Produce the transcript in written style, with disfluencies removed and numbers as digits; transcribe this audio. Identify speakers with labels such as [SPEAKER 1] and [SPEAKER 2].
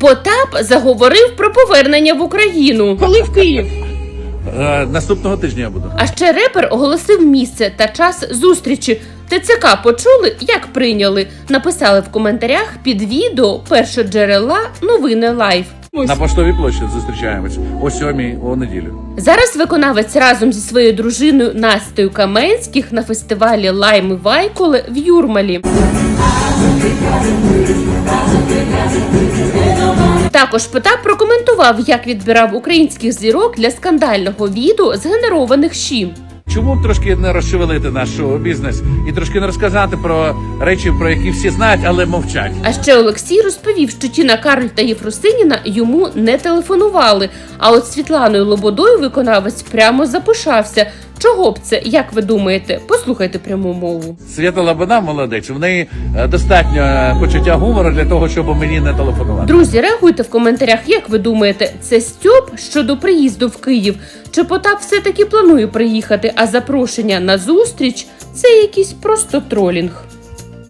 [SPEAKER 1] Потап заговорив про повернення в Україну.
[SPEAKER 2] Коли в Київ?
[SPEAKER 3] Наступного тижня я буду.
[SPEAKER 1] А ще репер оголосив місце та час зустрічі. ТЦК почули, як прийняли? Написали в коментарях під відео першоджерела новини Лайв.
[SPEAKER 3] На Поштовій площі зустрічаємось о 7-й у неділю.
[SPEAKER 1] Зараз виконавець разом зі своєю дружиною Настею Каменських на фестивалі Лайм і Вайколе в Юрмалі. Також Потап прокоментував, як відбирав українських зірок для скандального відео згенерованих щі.
[SPEAKER 3] Чому б трошки не розшевелити наш шоу-бізнес і трошки не розказати про речі, про які всі знають, але мовчать?
[SPEAKER 1] А ще Олексій розповів, що Тіна Кароль та Єфросиніна йому не телефонували. А от Світланою Лободою виконавець прямо запишався. Чого б це, як ви думаєте? Послухайте пряму мову.
[SPEAKER 3] Свята Лобода молодець, в неї достатньо почуття гумору для того, щоб мені не телефонувати.
[SPEAKER 1] Друзі, реагуйте в коментарях, як ви думаєте, це стьоп щодо приїзду в Київ? Чи Потап все-таки планує приїхати, а запрошення на зустріч – це якийсь просто тролінг?